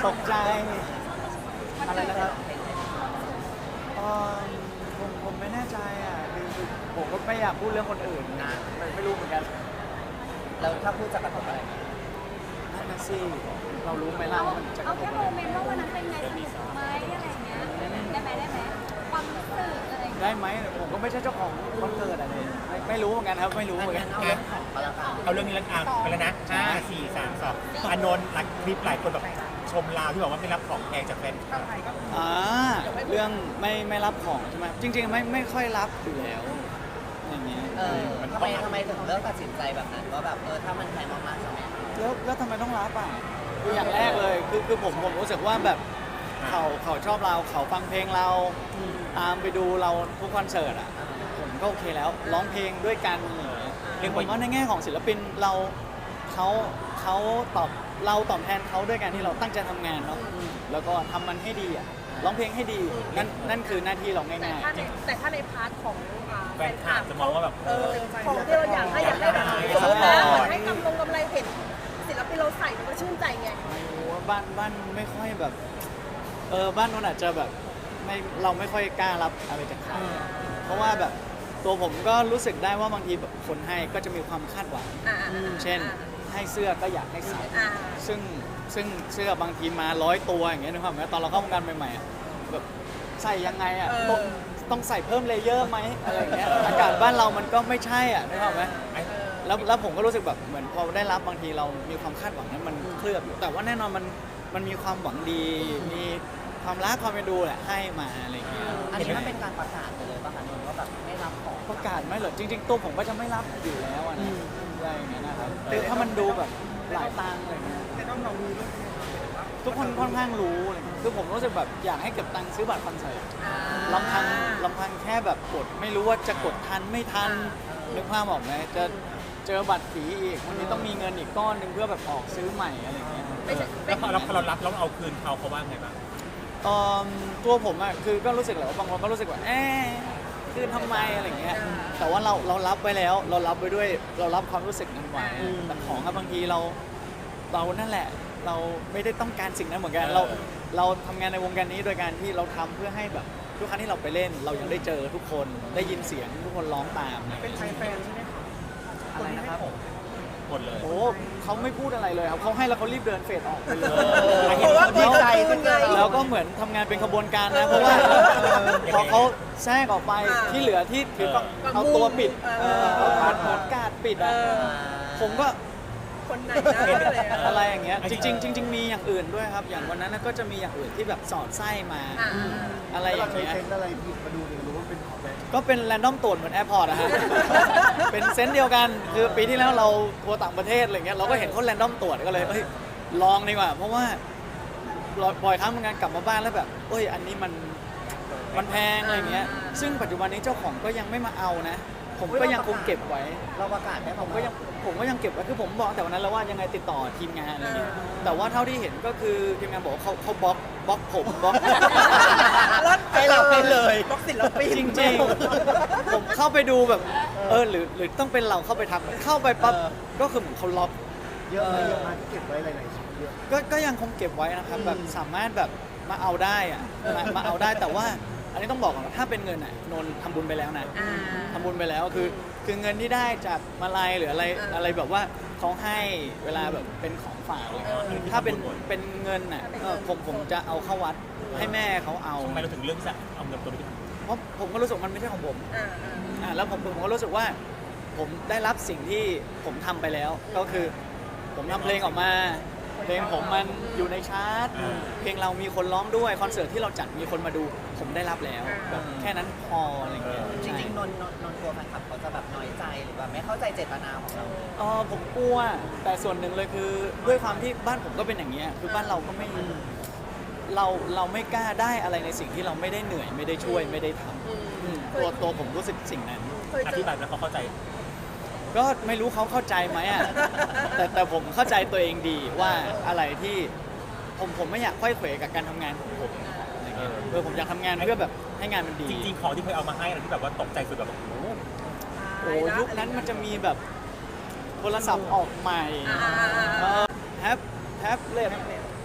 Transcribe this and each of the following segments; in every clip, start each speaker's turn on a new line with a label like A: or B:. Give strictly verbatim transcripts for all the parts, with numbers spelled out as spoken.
A: ตกใจอะไรนะครับเออผมผมไม่แน่ใจอ่ะคือคือผมก็ไม่อยากพูดเรื่องคนอื่นนะไม่ไม่รู้เหมือนกัน
B: แล้วถ้าพูดจะกระทบอะไร
A: นั่นนะสิเรารู้ไหมล่ะ
C: เอา
A: ว่ามันจะก
C: เอา
A: ระท
C: แค่
A: บ
C: โม
A: อะไร
C: เมนต์ว่าวันนั้นเป็นไงสนุกไหมอะไรอย่างเงี้ยได้ไหมได้ไหมความรู้สึกอะไรอย่างเงี้ย
A: ได้ไหมผมก็ไม่ใช่เจ้าของวันเกิดอะไรไม่ไม่รู้เหมือนกันครับไม่รู้เหมือนกัน
B: เอาเรื่องของก็แล้วกัน
D: เอาเรื่องนี้แล้วอ่ะไปแล้วนะห้าสี่สามสองอานนท์หลักคลิปหลายคนแบบชมเราที่บอกว่าไม่รับของแพงจากแฟนคลับ
A: อ่าเรื่องไม่ไม่รับของใช่ไหมจริงๆไม่ไม่ค่อยรับอยู่แล้วอย่างเงี้ย
B: เออทำไมทำไมถึงเลือกตัดสินใจแบบนั้นว่าแบบเออถ้ามันแพงมากๆจะไม่เอา
A: แล้วแล้วทำไมต้องรับอ่ะคืออย่างแรกเลยคือคือผมผมรู้สึกว่าแบบเขาเขาชอบเราเขาฟังเพลงเราตามไปดูเราทุกคอนเสิร์ตอ่ะผมก็โอเคแล้วร้องเพลงด้วยกันเรื่องผมว่าในแง่ของศิลปินเราเขาเขาตอบเราตอบแทนเขาด้วยการที่เราตั้งใจทำงานเนาะแล้วก็ทำมันให้ดีอ่ะร้องเพลงให้ดีนั่นนั่นคือหน้าที่เรา
E: แต่
A: ง่าย
E: ถ้าในแต่ถ้าในพาร์ทของอ่า
D: แฟนคลับจะมองว่าแบบ
E: เออของที่เราอยากให้อยากได้แบบสมมตินะอยากให้กำลงกำไรเห็นศิลปินเราใส่มันก็ชื่นใจไง
A: ๆไม่รู้ว่าบ้านบ้านไม่ค่อยแบบเออบ้านนู้นอาจจะแบบไม่เราไม่ค่อยกล้ารับอะไรจากใครอะเพราะว่าแบบตัวผมก็รู้สึกได้ว่าบางทีแบบคนให้ก็จะมีความคาดหวัง
E: อ่าอ่า
A: เช่นให้เสื้อก็อยากให้ใส่
E: อ่า
A: ซึ่งซึ่งเสื้อบางทีมาร้อยตัวอย่างเงี้ยนึกภาพไหมตอนเราเข้าวงการใหม่ๆอะแบบใส่ยังไงอ่ะต้องต้องใส่เพิ่มเลเยอร์ไหมอะไรอย่างเงี้ยอากาศบ้านเรามันก็ไม่ใช่อ่ะนึกภาพไหม
D: ไอ้
A: แล้วแล้วผมก็รู้สึกแบบเหมือนพอได้รับบางทีเรามีความคาดหวังนั้นมันเคลือบอยู่แต่ว่าแน่นอนมันมันมีความหวังดี มีความรักความเป็นดูแหละให้มาอะไรอย่างเงี้ย
B: อันนี้มันเป็นการประกาศไปเลยป่ะคะนนท์ว่าแบบไม่รับของ
A: ประกาศไหมเหรอจริง ๆ ตัวผมก็จะไม่รับอยู่แล้วอะนะอะไรอย่างเงี้ยนะครับคือถ้ามันดูแบบหลายตังค์อะไรเงี้ยทุกคนค่อนข้างรู้อะไรเงี้ยคือผมรู้สึกแบบอยากให้เก็บตังค์ซื้อบัตรคอนเสิร์ตลำพังลำพังแค่แบบกดไม่รู้ว่าจะกดทันไม่ทันนึกภาพออกไหมจะเจอบัตรผีอีกวันนี้ต้องมีเงินอีกก้อนหนึ่งเพื่อแบบออกซื้อใหม่อะไรเงี้ย
E: ไม่ใช่
D: แล้วพอเราพอเรารับแล้วเอาคืนเขาเขาว่าไงบ้าง
A: เอิ่มตัวผมอะคือก็รู้สึกแหละว่าบางคนก็รู้สึกว่าเอ๊ะคือทำไมอะไรเงี้ยแต่ว่าเราเรารับไว้แล้ว เรารับไว้ด้วยเรารับความรู้สึกนั้นไว้แต่ของอะบางทีเราเรานั่นแหละ เราไม่ได้ต้องการสิ่งนั้นเหมือนกันเราเราทำงานในวงการนี้โดยการที่เราทำเพื่อให้แบบทุกครั้งที่เราไปเล่น เรายังได้เจอทุกคนได้ยินเสียงทุกคนร้องตามเป็นไทยแฟนใช่ไหมคะอะไรนะครับ
D: หมดเลย
A: โอ้เขาไม่พูดอะไรเลยครับเขาให้แล้วเขารีบเดินเฟดออกไปเลย
B: เพราะว่าดีใจที่ไง
A: แล้วก็เหมือนทำงานเป็นขบวนการนะ เพราะว่าพอเขาแทรกออกไปที่เหลือที่ถือก็เอาตัวปิดเอาเหมือนเหมือนกาดปิดอ่ะผมก็
E: คนไหนนะอะไร
A: อะไรอย่างเงี้ยจริงๆจริงๆมีอย่างอื่นด้วยครับ อย่างวันนั้นก็จะมีอย่างอื่นที่แบบสอดไส้มา
E: อ่า
A: อะไรอย่างเงี้ย
F: อะไรผิดมาดูเนี่ยรู้ว่าเป็นของแบงค์
A: ก็เป็นแรนดอมตรวจเหมือนแอร์พอร์ตอะฮะ เป็นเซนส์เดียวกันคือปีที่แล้วเราทัวร์ต่างประเทศอะไรเงี้ยเราก็เห็นเขาแรนดอมตรวจก็เลยเอ้ยลองดีกว่า เพราะว่าบ่อยครั้งเหมือนกันกลับมาบ้านแล้วแบบเอ้ยอันนี้มันมันแพงอะไรเงี้ยซึ่งปัจจุบันนี้เจ้าของก็ยังไม่มาเอานะ ผมก็ยังคงเก็บไว้
B: เราประกาศให้
A: ผ
B: เขา
A: มก็ยังผมก็ยังเก็บไว้คือผมบอกแต่วันนั้นแล้วว่ายังไงติดต่อทีมงานอะไรเงี้ยแต่ว่าเท่าที่เห็นก็คือทีมงานบอกว่าเขาเขาบล็อกบล็อกผมบล็อก
B: ให้เราไปเลย
E: บล็อกศิลปิน
A: จริงๆ ผมเข้าไปดูแบบเออหรือหรือต้องเป็นเราเข้าไปทำเข้าไปปั๊บก็คือเหมือนเขาล็อก
F: เยอะไหมเยอะมากที่เก็บไว้หลายๆชิ้นเยอะ
A: ก็ก็ยังคงเก็บไว้นะครับแบบสามารถแบบมาเอาได้อะมามาเอาได้แต่ว่าอันนี้ต้องบอกก่อนว่าถ้าเป็นเงินอ่ะนนท์ทำบุญไปแล้วนะ
E: อ่า
A: ทำบุญไปแล้วคือคือเงินที่ได้จากมาลัยหรืออะไร
E: อ่า
A: อะไรแบบว่าเขาให้เวลาแบบเป็นของฝากอะไรเงี้ยถ้าเป็นเป็นเงินอ่ะเออผมผมจะเอาเข้าวัดให้แม่เขาเอา
D: ทำไมเราถึงเลือกที่จะเอาเงินตัวนี้ไปทำ
A: เพราะผมก็รู้สึกมันไม่ใช่ของผม
E: อ่าอ่า
A: อ่าแล้วผมผมก็รู้สึกว่าผมได้รับสิ่งที่ผมทำไปแล้ว ก็คือผมทำเพลงออกมา เพลงผมมันอยู่ในชาร์ตเพลงเรามีคนร้องด้วยคอนเสิร์ตที่เราจัดมีคนมาดูผมได้รับแล้วแบบแค่นั้นพออะไรเงี้ย
B: จริงๆนนท์นนท์นนท์กลัวแฟนคลับเขาจะแบบน้อยใจหรือแบบไม่เข้าใจเจตนาของเรา
A: เออผมกลัวแต่ส่วนหนึ่งเลยคือด้วยความที่บ้านผมก็เป็นอย่างเงี้ยคือบ้านเราก็ไม่เราเราไม่กล้าได้อะไรในสิ่งที่เราไม่ได้เหนื่อยไม่ได้ช่วยไม่ได้ทำอืมตัวตัวผมรู้สึกสิ่งนั้น
E: เคย
D: อ
E: เจ
D: ธิ
E: อ
D: บายแล้วเขาเข้าใจ
A: ก็ไม่รู้เขาเข้าใจไหมอ่ะ แต่แต่ผมเข้าใจตัวเองดีว่าอะไรที่ผมผมไม่อยากค่อยเขวกับการทำงานของผมอะไรเงี้ยเออผมอยากทำงานเพื่อแบบให้งานมันดี
D: จริงๆของที่เคยเอามาให้เราที่แบบว่าตกใจสุดแบบโอ้โห
A: โอ้ยุคนั้นมันจะมีแบบโทรศัพท์ออกใหม่
E: อ่าอ่าอ่า
A: เออแท็บแท็บเล็ตเอ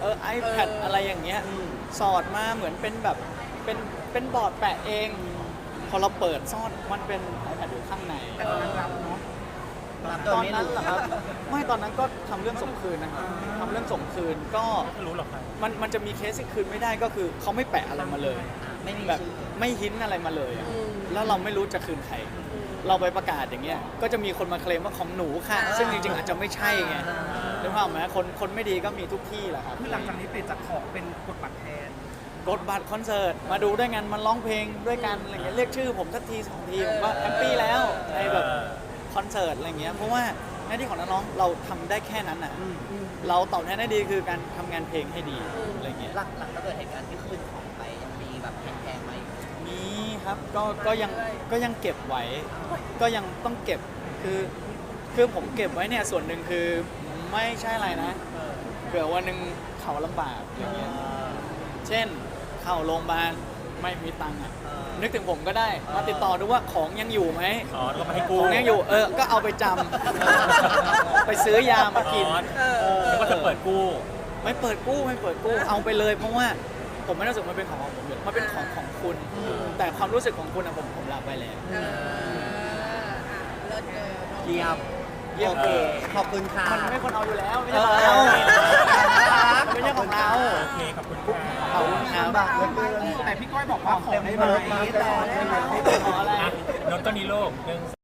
A: เออ iPad อะไรอย่างเงี้ยสอดมาเหมือนเป็นแบบเป็นเป็นบอร์ดแปะเอง พอเราเปิดซ่อนมันเป็น iPad อยู่ข้างใน
E: แต่ตอนนั้นรับเนาะ
B: รับโด
A: ต
B: ย
A: อน
B: ไม่
A: นั้น
B: รู้
A: เหรอครับ ไม่ตอนนั้นก็ทำเรื่องส่งคืนนะครับทำเรื่องส่งคืนก็
D: ไม่รู้หรอกครับ
A: มันมันจะมีเคสที่คืนไม่ได้ก็คือเขาไม่แปะอะไรมาเลย
B: ไม่มี
A: แบบ
B: ชื่อ
A: ไม่หินอะไรมาเลยอะแล้วเราไม่รู้จะคืนใคร เราไปประกาศอย่างเงี้ยก็จะมีคนมาเคลมว่าของหนูค่ะ ซึ่งจริงๆอาจจะไม่ใช่ไงนึกภาพไหมคนคนไม่ดีก็มีทุกที่แหละครับ
F: คือหลังจากนี้เปลี่ยนจากของเป็นกดบัตรแทน
A: กดบัตรคอนเสิร์ตมาดูด้วยกันมันร้องเพลงด้วยกันอะไรเงี้ยเรียกชื่อผมสักทีสองทีผมก็แฮปปี้แล้วในแบบคอนเสิร์ตอะไรเงี้ยเพราะว่าหน้าที่ของนักร้องเราทำได้แค่นั้นอ่ะเราตอบแทนได้ดีคือการทำงานเพลงให้ดีอะไรเงี้ย
B: หลังหลังจากเกิดเหตุการณ์ที่คืนของไปยังมีแบบแพงๆไหม
A: มีครับก็ก็ยังก็ยังเก็บไว้ ก็ยังต้องเก็บคือคือผมเก็บไว้เนี่ยส่วนหนึ่งคือไม่ใช่อะไรนะเผื่อวันหนึ่งเขาลำบากอย่างเงี้ยเช่นเข้าโรงพยาบาลไม่มีตังค์อะ นึกถึงผมก็ได้มาติดต่อดูว่าของยังอยู่ไหม
D: อ๋อแล้วก็มาให้
A: ข
D: กู
A: องยังอยู่เออก็เอาไปจำ ไปซื้อยามากิน
D: อ๋อแล้วก็จะเปิดกู้
A: ไม่เปิดกู้ไม่เปิดกู้เอาไปเลย เพราะว่าผมไม่รู้สึกมันเป็นของของผมเลยมันเป็นของของคุณ แต่ความรู้สึกของคุณอะผมผมรับไปแล้ว
E: เอออ่ะเลิศเลย
B: เยี่ยม
A: เยี่ยม
B: โอเคขอบคุณค่ะ
A: มันไม่คนเอาอยู่แล้วไม่ใช่ของเรา
B: เออ
A: มันไม่ใช่ของเรา
D: โอเค ขอบคุณค่ะ
A: ขอบคุณครับ
F: แต่พี่ก้อยบอกว่าของได้ไหม
B: เต็มรถมา
F: แต่
A: ขออะไร
D: อ่ะนนท์ต้นนี้โลกหนึ่ง